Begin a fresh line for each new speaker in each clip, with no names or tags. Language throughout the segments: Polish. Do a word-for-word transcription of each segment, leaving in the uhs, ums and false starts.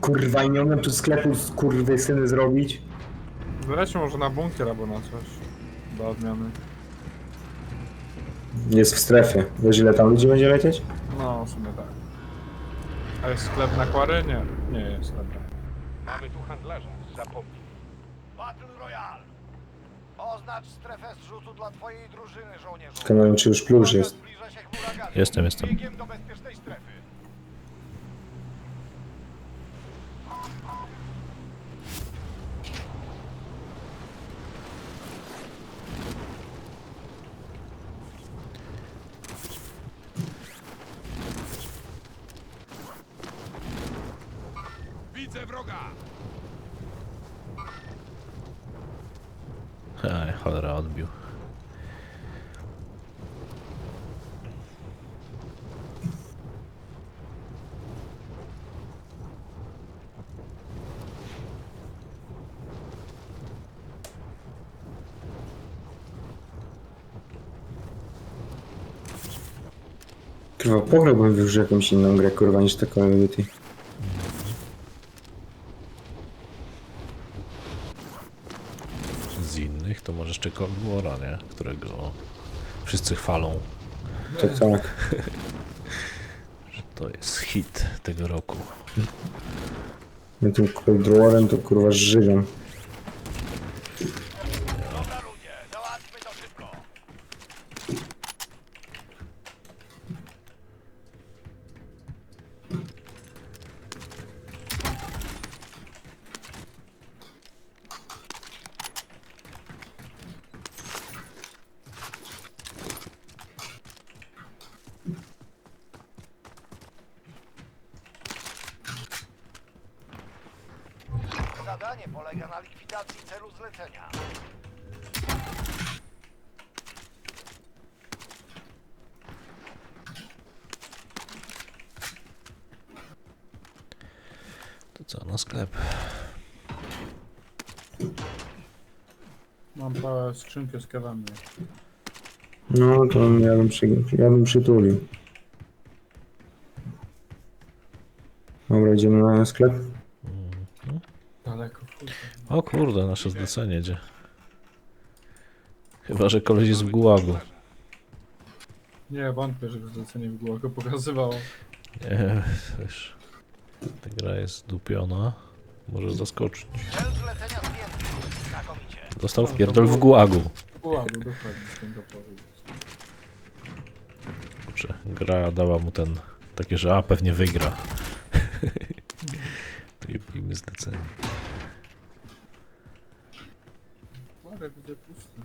kurwa i nie umiem tu sklepu z kurwy syny zrobić.
Zlecie może na bunkier albo na coś. Do odmiany.
Jest w strefie. Wiesz ile tam ludzi będzie lecieć?
No, w sumie tak. A jest sklep na kwary? Nie, nie jest, dobra.
Mamy tu handlarza. Zapomnij.
Battle Royale! Oznacz strefę zrzutu dla twojej drużyny, żołnierzu.
Tylko nie wiem czy już plus jest.
Zbliża się chmura gazu.
Jestem, jestem.
Biegiem do bezpiecznej strefy.
Widzę wroga!
Ej, cholera, odbił.
Kurwa, pograłbym już jakąś inną grę, kurwa, niż taką Unity.
Z innych to może jeszcze Cold War'a, nie? Którego wszyscy chwalą,
To tak.
że to jest hit tego roku.
Ja tym Cold War'em to kurwa żygam.
Dobra ludzie, załatwmy to szybko. Zadanie polega na likwidacji celu zlecenia.
To co, na sklep?
Mam parę skrzynkę z kawami.
No to ja bym, przy, ja bym przytulił. Dobra, idziemy na sklep.
Daleko, kurde.
O kurde, nasze zlecenie jedzie. Chyba, że koleś jest w gułagu.
Nie, wątpię, żeby zlecenie w głowie pokazywało.
Nie, wiesz, ta gra jest dupiona. Może zaskoczyć.
Cel zlecenia zdjęty. Znakomicie.
Dostał wpierdol w gułagu.
Ładno, dokładnie, z tym to powiedzieć.
Kurczę, gra dała mu ten, takie, że a, pewnie wygra. To i pijmy zlecenie.
Marek, gdzie pusty.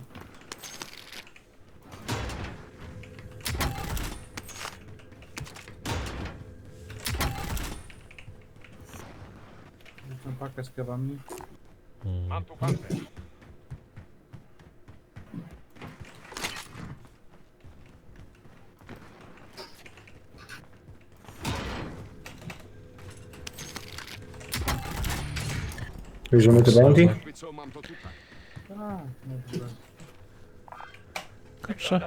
Tę pakę z kawami.
Mam tu pancerz.
Bierzemy te bounty?
Jakby co, mam to tutaj.
Tak, no dobra.
Kurczę.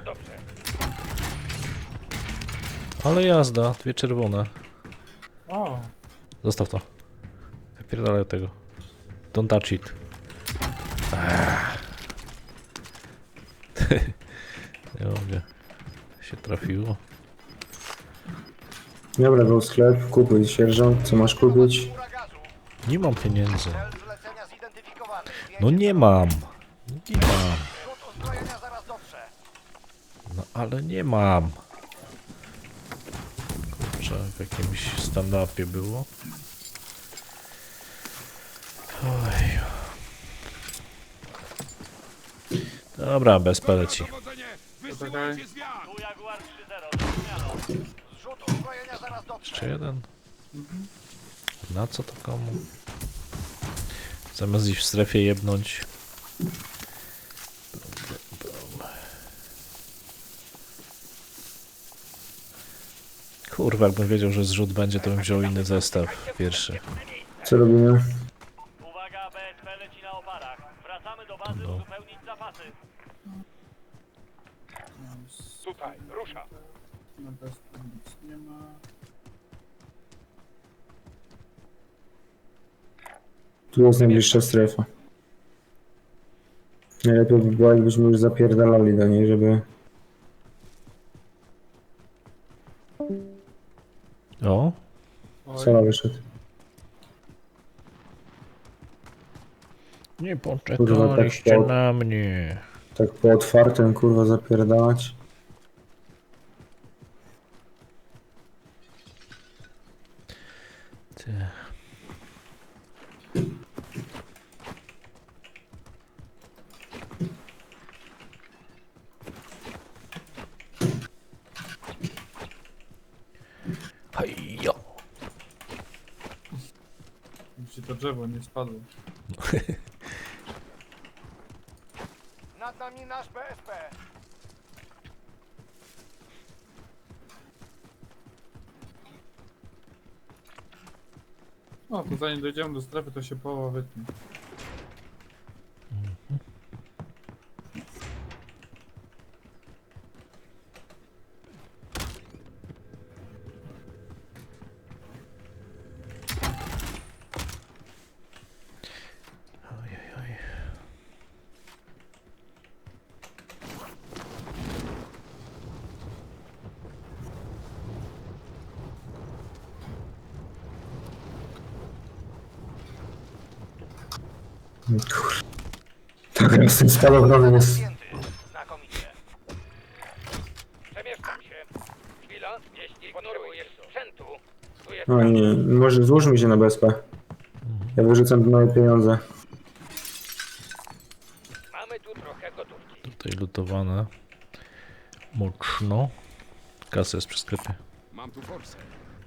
Ale jazda, dwie czerwone.
O!
Zostaw to. Wypierdalaj od tego. Don't touch it. Ach. Nie mogę. Się trafiło.
Dobra, był sklep, kupuj sierżant, co masz kupić?
Chmura gazu.
Nie mam pieniędzy.
Cel zlecenia zidentyfikowany.
No nie mam. Nie mam.
Rzut uzbrojenia zaraz dotrze.
No ale nie mam. Kurczę, w jakimś stand-upie było. Oj. Dobra, bez peleci.
Dowodzenie! Wysyłajcie zwiat!
Tu Jaguar trzy zero. Zmianą. Zrzut uzbrojenia zaraz dotrze.
Jeszcze jeden. Na co to komu? Zamiast iść w strefie jebnąć. Kurwa, jakbym wiedział, że zrzut będzie, to bym wziął inny zestaw pierwszy.
Co robimy?
Uwaga, B S P leci na oparach. Wracamy do bazy
No.
uzupełnić zapasy.
Tutaj, rusza!
Na bezpie nic nie ma.
Tu jest najbliższa strefa. Najlepiej by było, jakbyśmy już zapierdalali do niej, żeby...
O,
Oj,
Sala wyszedł.
nie
Kurwa,
poczekaliście
tak po-
na mnie.
Tak po otwartym, kurwa, zapierdalać.
Ty. Hajjo.
ci to drzewo nie spadło.
Nad nami nasz B S P.
No, to zanim dojdziemy do strefy, to się połowa wytnie.
Oj, oj, oj.
Kurwa. Tak, z tym spadochronem jest...
Zdjęty. Znakomicie.
Przemieszczam się. Chwila, jeśli potrzebujesz sprzętu, tu jest
No nie, może złóżmy się na B S P. Ja wyrzucam tu moje pieniądze.
mamy tu trochę gotówki.
Tutaj lutowane. Mocno. Kasa jest przy sklepie.
Mam tu forsę.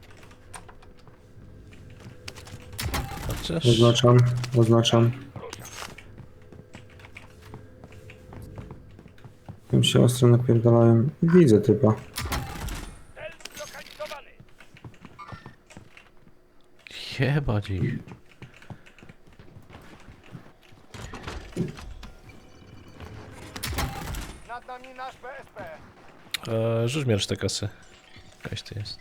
Chociaż...
Oznaczam, oznaczam. Tam się ostro napierdalają. Widzę typa.
Cel zlokalizowany.
Jebać ich.
Nad nami nasz B S P.
Eee, rzuć mi resztę kasy. Jakaś to jest.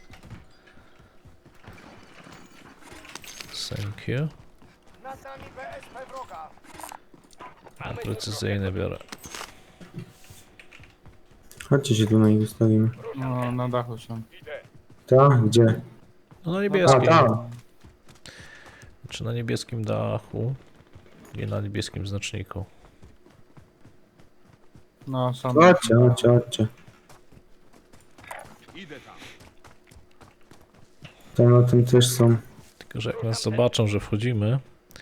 Thank you.
Nad nami B S P wroga.
A precyzyjny biorę.
Chodźcie się tu na nich ustawimy.
No, na dachu są.
Idę.
Ta? Gdzie?
No na
A,
niebieskim.
ta!
Czy na niebieskim dachu. Nie na niebieskim znaczniku.
No, są.
Chodźcie, chodźcie, chodźcie.
Idę tam.
Tam na tym też są.
Tylko, że jak nas zobaczą, że wchodzimy...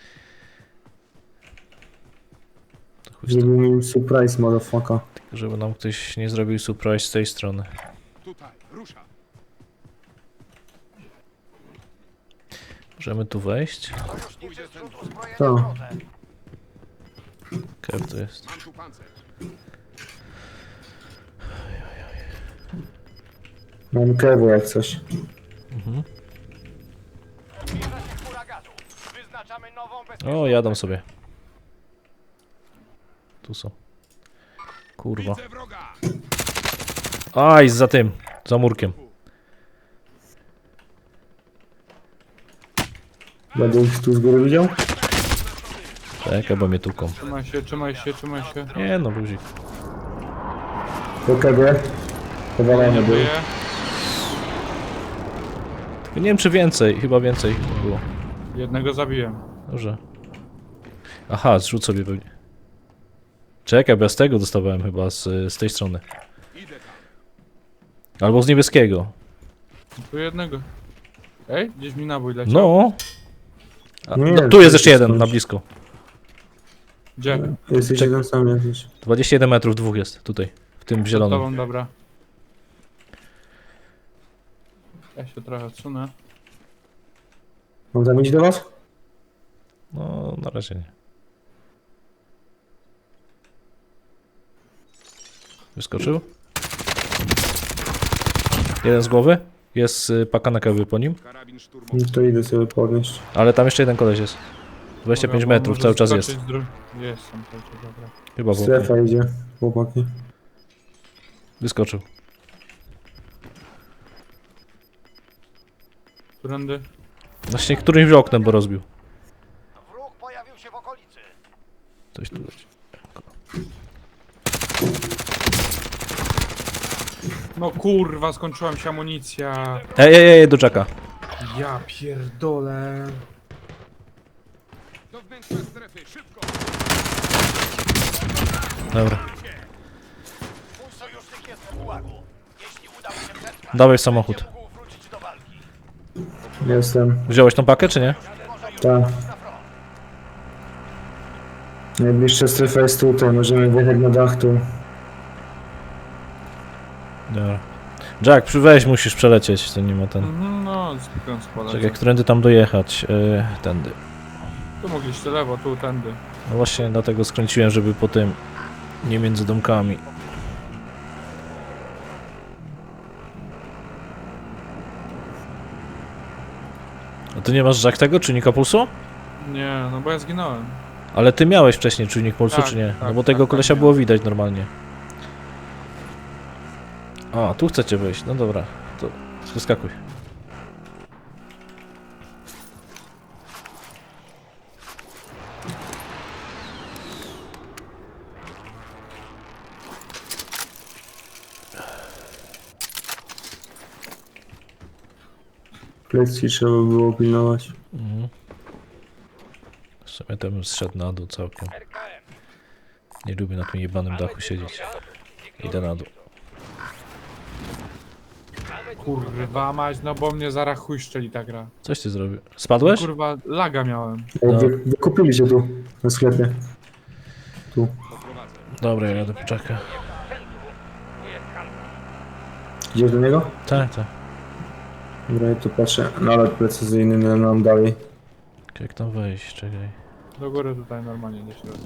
To chuj z tym.
Żeby mi surprise, motherfucker.
Tylko, żeby nam ktoś nie zrobił surprise z tej strony.
Tutaj, rusza.
Możemy tu wejść.
Sojuszniczy zrzut uzbrojenia
To.
w drodze.
Kev to jest.
Mam tu pancerz.
Mam kewu jak coś.
Mhm.
Zbliża się huraganu. Wyznaczamy nową bezpieczną
O, jadą sobie. Tu są. Kurwa.
Widzę wroga.
Aj, za tym. Za murkiem.
Będę ich tu z góry widział?
Czekaj, bo mnie tuką.
Trzymaj się, trzymaj się, trzymaj się.
Nie no, luzik.
Po kebie. Powalony był.
Żyje.
Nie wiem czy więcej, chyba więcej było.
Jednego zabiłem.
Dobrze. Aha, zrzuć sobie pewnie. Czekaj, bo ja z tego dostawałem chyba, z, z tej strony.
Idę tam.
Albo z niebieskiego.
Tu jednego. Ej, gdzieś mi nabój leciał.
No. A,
Nie,
no
to
tu jest jeszcze
jest
jeden,
skądś.
na blisko.
Gdzie?
Jesteś jeden sam jakiś.
dwadzieścia jeden metrów, dwóch jest, tutaj. W tym
Przed
zielonym.
tobą, dobra. Ja się trochę odsunę.
Mam tam iść do was?
No, na razie nie. Wyskoczył? Jeden z głowy. Jest y, paka na kawy po nim.
Karabin szturmowy.
No to idę sobie podnieść.
Ale tam jeszcze jeden koleś jest. dwadzieścia pięć
Dobra, bo
metrów,
może
cały czas jest.
skoczyć z dru- Jest tam cały czas, dobra.
Chyba w ogóle.
Strefa idzie, chłopaki.
Wyskoczył.
Którędy?
Właśnie którymś oknem, bo rozbił.
Wróg pojawił
Coś tu leci.
No kurwa, skończyła się amunicja.
Ej, ej, ej, do Jacka.
Ja pierdolę.
Dobra.
Mój sojusznik jest w gułagu. Jeśli uda mu się przetrwać,
Dawaj samochód.
będzie mógł wrócić do walki.
Jestem.
Wziąłeś tą pakę, czy nie?
Tak. Najbliższa strefa jest tutaj, możemy wjechać na dach tu.
Dobra. Jack, przy- weź, musisz przelecieć, to nie ma ten...
Mhm, no, zwykle składać.
Czekaj, którędy tam dojechać? Yy, tędy.
Tu mogliście lewo, tu, tędy.
No właśnie dlatego skręciłem, żeby po tym... Nie między domkami. A ty nie masz Jack tego, czujnika pulsu?
Nie, no bo ja zginąłem.
Ale ty miałeś wcześniej czujnik pulsu,
Tak,
czy nie? No
tak,
bo tego
tak,
kolesia
tak,
było widać normalnie. A, tu chcecie wejść, no dobra. To przeskakuj.
Plecy trzeba było pilnować.
Mhm. W sumie to bym zszedł na dół całkiem.
R K M.
Nie lubię na tym jebanym dachu siedzieć. Idę na dół.
Kurwa mać, no bo mnie zaraz chuj szczeli ta gra.
Coś ty zrobił? Spadłeś?
Kurwa, laga miałem.
O, wy, wykupili się tu, na sklepie. Tu.
Dobra, ja jadę po Jacka.
Tu jest handel.
Idziesz do niego?
Tak, tak.
Dobra, ja tu patrzę. Nalot precyzyjny no, nam dalej.
Jak tam wejść? Czekaj.
Do góry tutaj normalnie nie środka.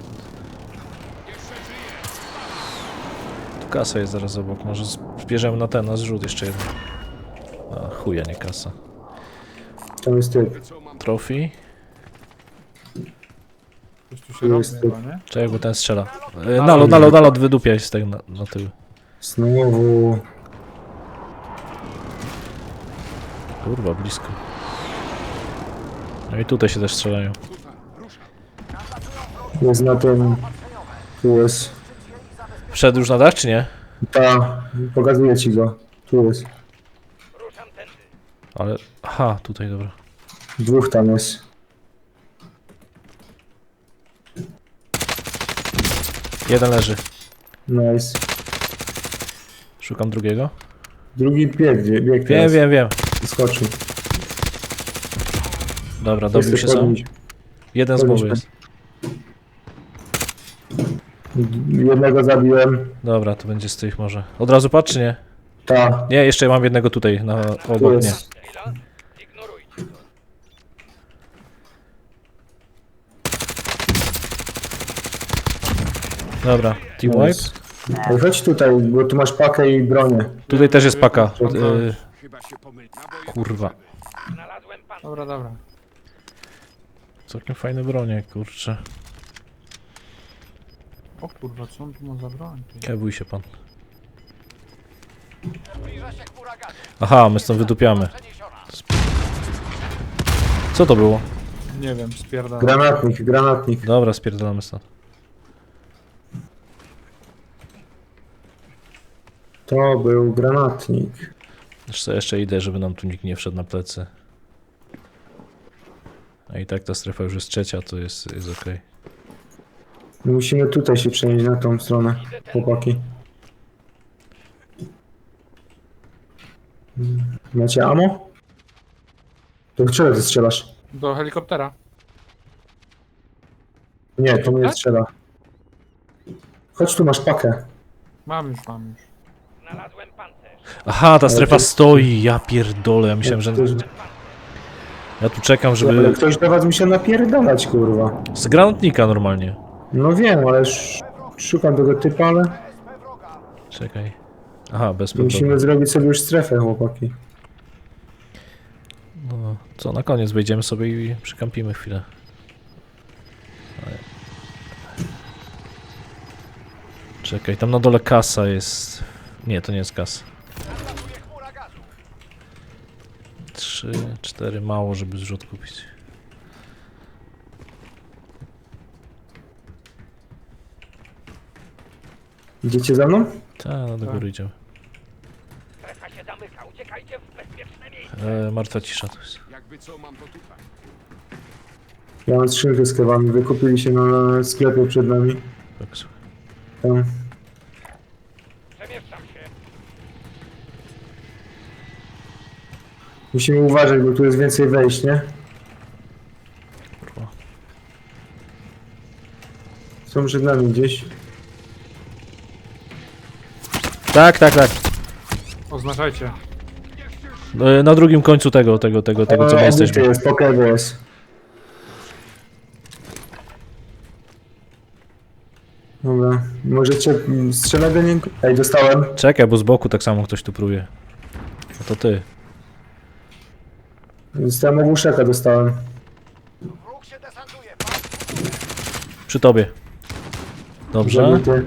Tu kasa jest zaraz obok. Może zbierzemy na ten, na zrzut jeszcze jeden. A chuja, nie kasa.
Tam jest typ.
Trophy.
Coś tu się
Tu
robi
jest
chyba, nie?
Czekaj, bo ten strzela. E, nalot, nalot, nalot, wydupiaj z tego na, na tył.
Znowu.
Kurwa, blisko. No i tutaj się też strzelają.
Jest na tym. Tu jest.
Wszedł już na dach, czy nie?
Ta. Pokazuję ci go. Tu jest.
Ruszam tędy.
Ale... Aha, tutaj, dobra.
Dwóch tam jest.
Jeden leży.
Nice.
Szukam drugiego.
Drugi bieg, bieg
Wiem,
teraz.
wiem, wiem.
Skoczył.
Dobra, dobił się
Chcę
sam.
podnieść.
Jeden z głowy
podnieść.
jest.
Jednego zabiłem.
Dobra, to będzie z tych może. Od razu patrz, czy nie?
Ta.
Nie, jeszcze mam jednego tutaj, na
Tu
obok mnie.
jest.
Chwila. Ignorujcie to.
Dobra, team wipe.
Nice. Ale chodź tutaj, bo tu masz pakę i bronię.
Tutaj też jest paka. Y, kurwa.
Znalazłem pan.
Dobra, dobra.
Całkiem fajne bronie, kurczę.
O kurwa, co on tu ma za broń? Ty?
Kebój się pan.
Zbliża się chmura gazu.
Aha, my stąd wydupiamy.
Przeniesiona.
Co to było?
Nie wiem, spierdalam.
Granatnik, granatnik.
Dobra, spierdolamy stąd.
To był granatnik.
Jeszcze, jeszcze idę, żeby nam tu nikt nie wszedł na plecy. A i tak ta strefa już jest trzecia, to jest, jest okej.
Musimy tutaj się przenieść na tą stronę, chłopaki. Macie ammo? To czego ty strzelasz?
Do helikoptera.
Nie, to mnie strzela. Chodź tu, masz pakę.
Mam już, mam już.
Znalazłem pancerz.
Aha, ta strefa
to-
stoi, ja pierdolę, ja myślałem, że...
Ktoś,
Ja tu czekam,
ale
żeby...
ktoś do was musiał napierdalać, kurwa.
Z granatnika normalnie.
No wiem, ale sz szukam tego typa, ale
Czekaj. Aha, bez problemu.
musimy zrobić sobie już strefę, chłopaki.
No, co, na koniec wejdziemy sobie i przykampimy chwilę. Ale- Czekaj, tam na dole kasa jest... Nie, to nie jest kasa.
Nadlatuje chmura gazu.
Trzy, cztery, mało, żeby zrzut kupić.
Idziecie za mną?
Ta, do góry idziemy.
Strefa się zamyka, uciekajcie w bezpieczne miejsce.
E, martwa cisza tu jest.
Ja mam skrzynkę z kewami, wykupili się na sklepie przed nami.
Tak, słuchaj.
Tam.
Przemieszczam się.
Musimy uważać, bo tu jest więcej wejść, nie?
Kurwa.
Są przed nami gdzieś.
Tak, tak, tak.
Oznaczajcie.
E, na drugim końcu tego, tego, tego, tego, co my
E,
jesteśmy.
jest, po kewie jest. Dobra, możecie mm, strzelać do niego? Ej, dostałem.
Czekaj, bo z boku tak samo ktoś tu próbuje. No to ty.
Dostałem ogłuszeka, dostałem.
Wróg się desantuje.
Przy tobie. Dobrze.
Zabity.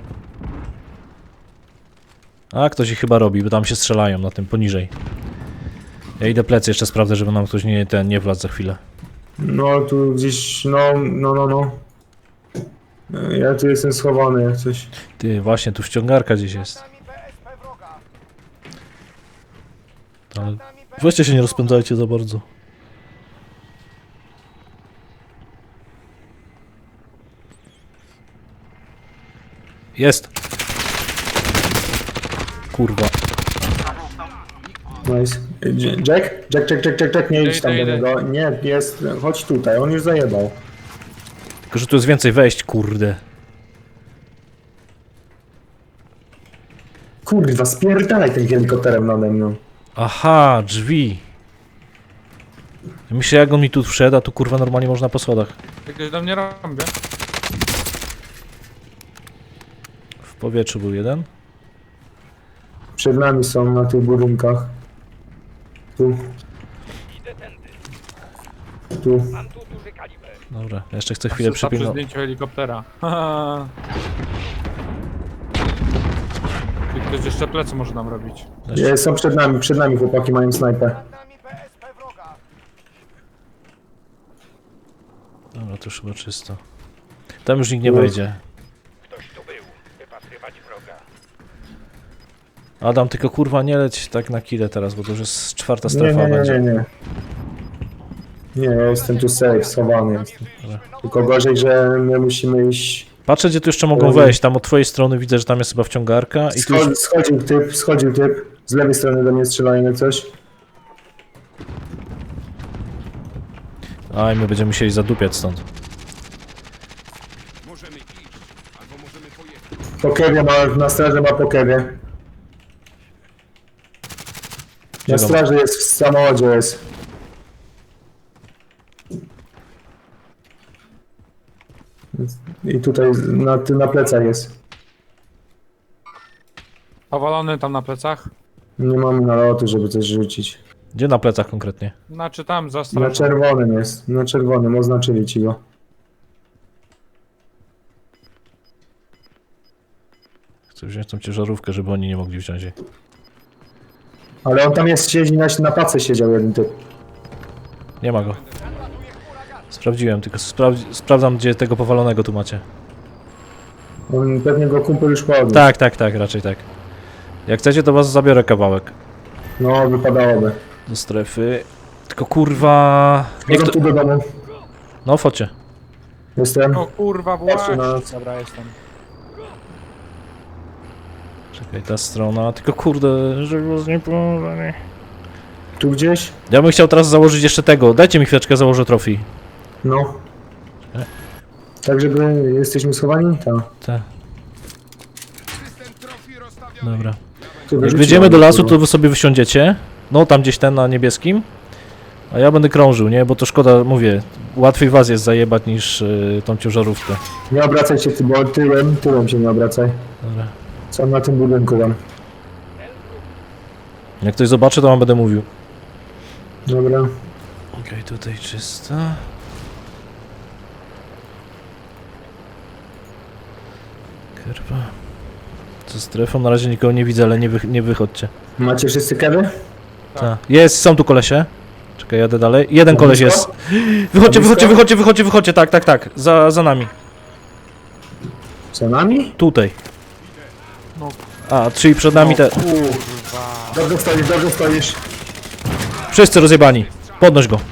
A, ktoś ich chyba robi, bo tam się strzelają na tym poniżej. Ja idę plecy jeszcze sprawdzę, żeby nam ktoś nie, ten, nie wlazł za chwilę.
No, tu gdzieś, no, no, no, no. Ja tu jestem schowany jak coś.
Ty, właśnie, tu ściągarka gdzieś
Nad
jest.
nami B S P wroga.
Ale
Nad nami B S P
weźcie się nie
wroga.
rozpędzajcie za bardzo. Jest! Kurwa.
Nice. J- Jack? Jack, Jack, Jack, Jack, Jack, nie idź
Idę,
tam do
idę.
niego. Nie, jest, chodź tutaj, on już zajebał.
Tylko, że tu jest więcej wejść, kurde.
Kurwa, spierdalaj tym helikopterem nade mną.
Aha, drzwi. Myślę, jak on mi tu wszedł, a tu kurwa normalnie można po schodach.
Jakieś do mnie robię.
W powietrzu był jeden.
Przed nami są na tych budynkach. Tu,
Idę tędy.
tu.
Mam tu duży kaliber.
Dobra, jeszcze chcę chwilę
Asysta przy
przypilnować.
zdjęciu helikoptera. Haha. I ktoś jeszcze plecy może nam robić.
Nie, są przed nami, przed nami chłopaki mają snajpę.
Nad nami B S P wroga.
Dobra, to już chyba czysto. Tam już nikt nie wejdzie.
Ktoś tu był. Wypatrywać wroga.
Adam, tylko kurwa nie leć tak na kile teraz, bo to już jest czwarta
Nie,
strefa
nie, nie,
będzie.
nie, nie. Nie, ja jestem tu safe, schowany jestem.
Dobra.
Tylko gorzej, że my musimy iść...
Patrzę, gdzie tu jeszcze mogą wejść. Tam od twojej strony widzę, że tam jest chyba wciągarka i tu już...
Schodzi, schodził typ, schodził typ. Z lewej strony do mnie strzelają jak coś.
Aj, my będziemy musieli zadupiać stąd.
Po kewie ma, na straży ma po kewie. Na
Gdzie go ma?
straży jest, w samochodzie jest. I tutaj na, na plecach jest.
Powalony tam na plecach.
Nie mamy nalotu, żeby coś rzucić.
Gdzie na plecach konkretnie?
Znaczy tam za
Na
strefą.
czerwonym jest, na czerwonym, oznaczyli ci go.
Chcę wziąć tą ciężarówkę, żeby oni nie mogli wziąć jej.
Ale on tam jest, siedzi na, na pace siedział jeden typ.
Nie ma go. Sprawdziłem, tylko sprawdzi sprawdzam, gdzie tego powalonego tu macie.
On pewnie go kumpel już podniósł.
Tak, tak, tak, raczej tak. Jak chcecie, to was zabiorę kawałek
No, wypadałoby.
do strefy. Tylko kurwa... Niech
Chodzą
to...
tu do domu.
No, focie.
Jestem.
O kurwa,
Patrzę
właśnie.
na-
Dobra, jestem.
Czekaj, ta strona. Tylko kurde, żeby was nie położyli.
Tu gdzieś?
Ja bym chciał teraz założyć jeszcze tego. Dajcie mi chwileczkę, założę trofii.
No. Tak, żeby jesteśmy schowani? Tak.
Tak. Dobra.
Tu
Jak
wyrzuciłem,
wejdziemy do lasu,
kurwa.
to wy sobie wysiądziecie. No, tam gdzieś ten na niebieskim. A ja będę krążył, nie? Bo to szkoda, mówię, łatwiej was jest zajebać niż y, tą ciężarówkę.
Nie obracaj się, ty, bo tyłem, tyłem się nie obracaj.
Dobra.
Co na tym budynku tam?
Jak ktoś zobaczy, to wam będę mówił.
Dobra.
Okej, tutaj czysto. Kurwa. Co strefą? Na razie nikogo nie widzę, ale nie, wy, nie wychodźcie.
Macie wszyscy kewy?
Tak. Jest, są tu kolesie. Czekaj, jadę dalej. Jeden
Na
koleś
blisko?
jest. Wychodźcie,
Na
wychodźcie,
blisko?
wychodźcie, wychodźcie, wychodźcie, tak, tak, tak. Za, za nami.
Co nami?
Tutaj.
No
A, czyli przed nami te...
kurwa.
Dobrze stoisz, dobrze stoisz.
Wszyscy rozjebani. Podnoś go.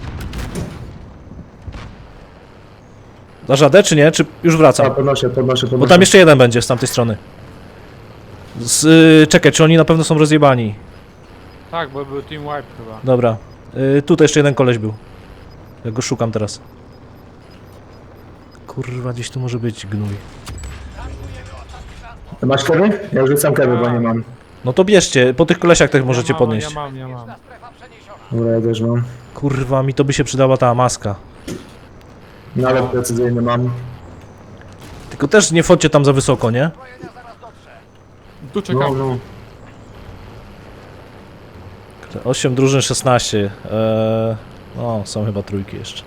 Dasz radę, czy nie? Czy już
A,
wracam?
podnoszę, podnoszę, podnoszę.
Bo tam jeszcze jeden będzie z tamtej strony. Z, y, czekaj, czy oni na pewno są rozjebani?
Tak, bo był team wipe chyba.
Dobra. Y, tutaj jeszcze jeden koleś był. Ja go szukam teraz. Kurwa, gdzieś tu może być gnój.
Masz keby? Ja już rzucam keby, bo nie mam.
No to bierzcie, po tych kolesiach też możecie
ja mam,
podnieść.
Ja mam, ja mam.
Strefa przeniesiona.
Dobra, ja też mam.
Kurwa, mi to by się przydała ta maska.
Nawet precyzyjny mam.
Tylko też nie wchodźcie tam za wysoko, nie?
Zbrojenia zaraz dotrze.
Tu
No,
czekam.
no.
osiem drużyn, szesnaście. Eee, no, są chyba trójki jeszcze.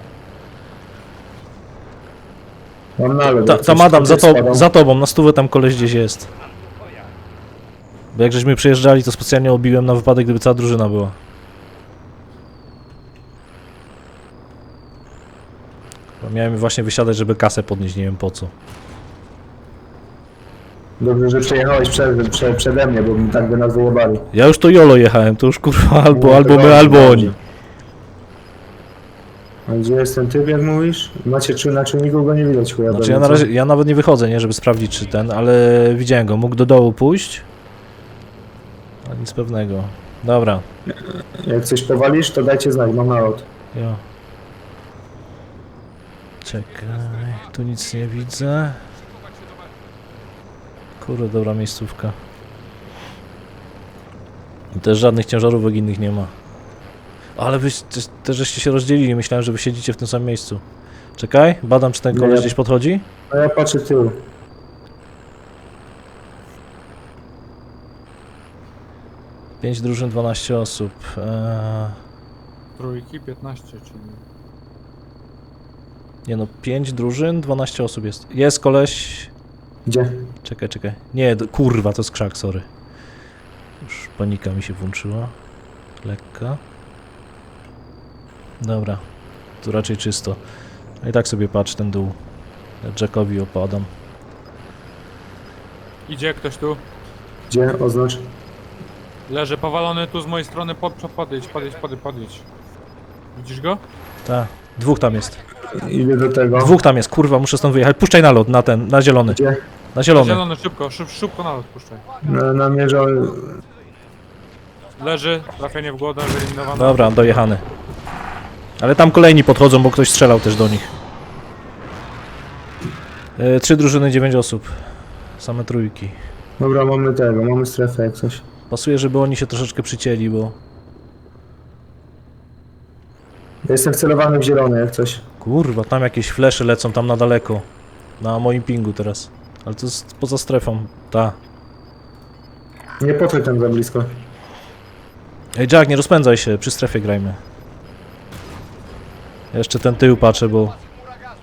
Mam nalot.
Ta,
jak
tam
coś
Adam, za, to,
spadał.
za tobą, na stówę tam koleś gdzieś jest. Bo jak żeśmy przyjeżdżali, to specjalnie obiłem na wypadek, gdyby cała drużyna była. Bo miałem właśnie wysiadać, żeby kasę podnieść, nie wiem po co.
Dobrze, że przejechałeś przed, prze, przede mnie, bo mi tak by nas wyjebali.
Ja już to jolo jechałem, to już kurwa albo,
No,
albo
to
my,
dobrze,
albo
dobrze.
oni.
A gdzie jest ten typ, jak mówisz? Macie czy na czujniku go nie widać chuja.
Znaczy ja na razie, ja nawet nie wychodzę, nie, żeby sprawdzić czy ten, ale widziałem go, mógł do dołu pójść. A nic pewnego. Dobra,
Jak coś powalisz, to dajcie znać, mam nalot.
jo. Czekaj, tu nic nie widzę. Kurde, dobra miejscówka. I też żadnych ciężarówek innych nie ma. Ale wy też, też żeście się rozdzielili, myślałem, że wy siedzicie w tym samym miejscu. Czekaj, badam czy ten
Nie,
koleś
ja-
gdzieś podchodzi.
A ja patrzę tył.
pięć drużyn, dwanaście osób. Eee,
Trójki, piętnaście, czyli...
nie no, pięć drużyn, dwanaście osób jest. Jest koleś...
Gdzie?
Czekaj, czekaj. Nie, d- kurwa, to jest krzak, sorry. Już panika mi się włączyła. Lekka. Dobra. Tu raczej czysto. A i tak sobie patrz ten dół. Ja Jackowi opadam.
Idzie ktoś tu.
Gdzie? Oznacz.
Leży powalony tu z mojej strony. Pod, pod, podejdź, podejdź, podejdź, podejdź. Widzisz go?
Tak. Dwóch tam jest.
Idę do tego.
Dwóch tam jest, kurwa, muszę stąd wyjechać. Puszczaj na lot, na ten, na zielony.
Gdzie?
Na zielony.
Zielony, szybko, szyb, szybko na lot puszczaj.
Na, namierzał...
Leży, trafienie w głowę, wyeliminowane.
Dobra, dojechany. Ale tam kolejni podchodzą, bo ktoś strzelał też do nich. E, trzy drużyny, dziewięć osób. Same trójki.
Dobra, mamy tego, mamy strefę jak coś.
Pasuje, żeby oni się troszeczkę przycięli, bo...
Ja jestem wcelowany w zielony jak coś.
Kurwa, tam jakieś flesze lecą tam na daleko. Na moim pingu teraz. Ale to jest poza strefą. Ta.
Nie podchodź tam za blisko.
Ej Jack, nie rozpędzaj się, przy strefie grajmy. Ja jeszcze ten tył patrzę, bo...
Chmura gazu.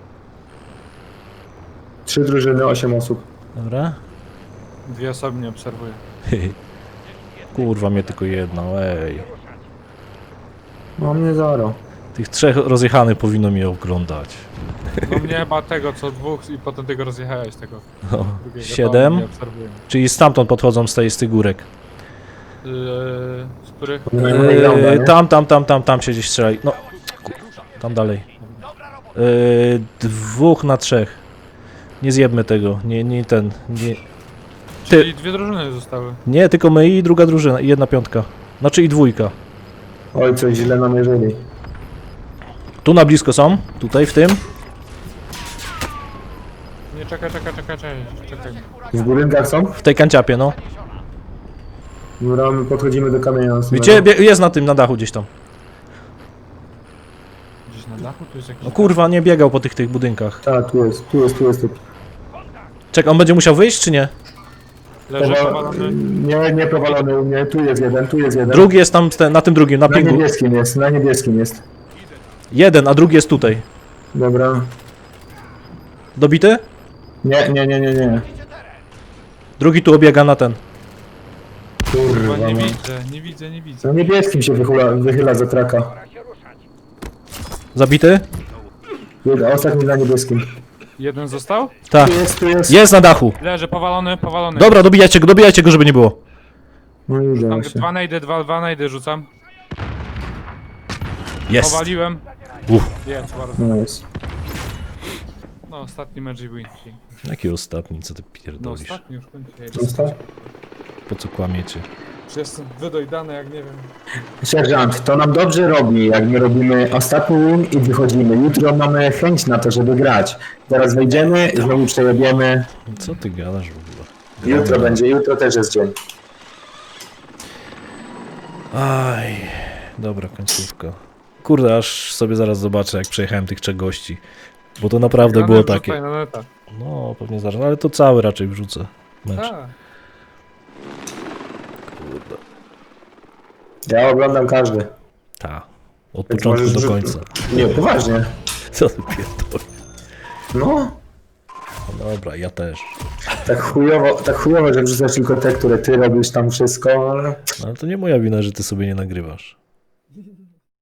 Trzy drużyny, osiem osób.
Dobra.
Dwie osoby nie obserwuję.
Kurwa, mnie tylko jedna, ej.
No mnie zaro.
Tych trzech rozjechanych powinno mnie oglądać.
No mnie chyba tego co dwóch i potem tego rozjechałeś tego
No.
drugiego. To
Siedem.
nie obserwuję.
Czyli stamtąd podchodzą z tej z tych górek.
Yy, z których?
Nie mają high
Eee,
nie?
tam, tam, tam, tam, tam się gdzieś strzelaj. No, ku- tam dalej. Eee, dwóch na trzech. Nie zjebmy tego, nie, nie ten, nie,
Czyli dwie drużyny zostały.
nie, tylko my i druga drużyna, i jedna piątka. Znaczy i dwójka.
Oj, coś źle namierzyli.
Tu na blisko są, tutaj w tym.
Nie, czekaj, czekaj, czekaj, czekaj, czekaj.
W budynkach są?
W tej kanciapie, no.
Dobra, my podchodzimy do kamienia nocnego.
Widzicie, bie- jest na tym, na dachu gdzieś tam.
Gdzieś na dachu tu jest jakiś...
No kurwa, nie biegał po tych tych budynkach.
Tak, tu jest, tu jest, tu jest typ.
Czekaj, on będzie musiał wyjść, czy nie?
Leży
Powa-
powalony.
Nie, nie powalony u mnie, tu jest jeden, tu jest jeden.
Drugi jest tam, ste- na tym drugim, na
Na
pingu.
niebieskim jest, na niebieskim jest.
Jeden, a drugi jest tutaj.
Dobra.
Dobity?
Nie, nie, nie, nie, nie.
Drugi tu obiega na ten.
Chyba
Kurwa,
nie
no.
widzę, nie widzę, nie widzę.
Na niebieskim się wychyla, wychyla za traka.
Pora się ruszać.
Zabity?
Jeden, ostatni na niebieskim.
Jeden został?
Tak.
Tu jest, tu jest.
Jest na dachu.
Leży, powalony, powalony.
Dobra, dobijajcie go, dobijajcie go, żeby nie było.
No już
Tam
właśnie.
dwa najdy, dwa, dwa najdy rzucam.
Jest.
Powaliłem.
Uff.
Jest, bardzo.
No jest.
No, ostatni Magic Win.
Jaki ostatni, co ty
No,
pierdolisz?
ostatni już kończę.
Został?
Po co kłamiecie?
Czy jestem wydojdany, jak nie wiem.
Sierżant, to nam dobrze robi, jak my robimy ostatni win i wychodzimy. Jutro mamy chęć na to, żeby grać. Teraz wejdziemy, znowu przejebiemy.
Co ty gadasz w ogóle?
Jutro będzie, jutro też jest dzień.
Aj, dobra końcówka. Kurde, aż sobie zaraz zobaczę, jak przejechałem tych trzech gości. Bo to naprawdę było
Wrzucaj
takie.
na neta.
No, pewnie zaraz, no, ale to cały raczej wrzucę. Mecz.
Tak.
Kurde.
Ja oglądam każdy.
Ta. Od
Więc
początku
możesz
do
rzu-
końca.
Nie, poważnie.
Co ty pierdolisz?
No,
No dobra, ja też.
tak chujowo, tak chujowo, że wrzucasz tylko te, które ty robisz tam wszystko, ale...
No, ale to nie moja wina, że ty sobie nie nagrywasz.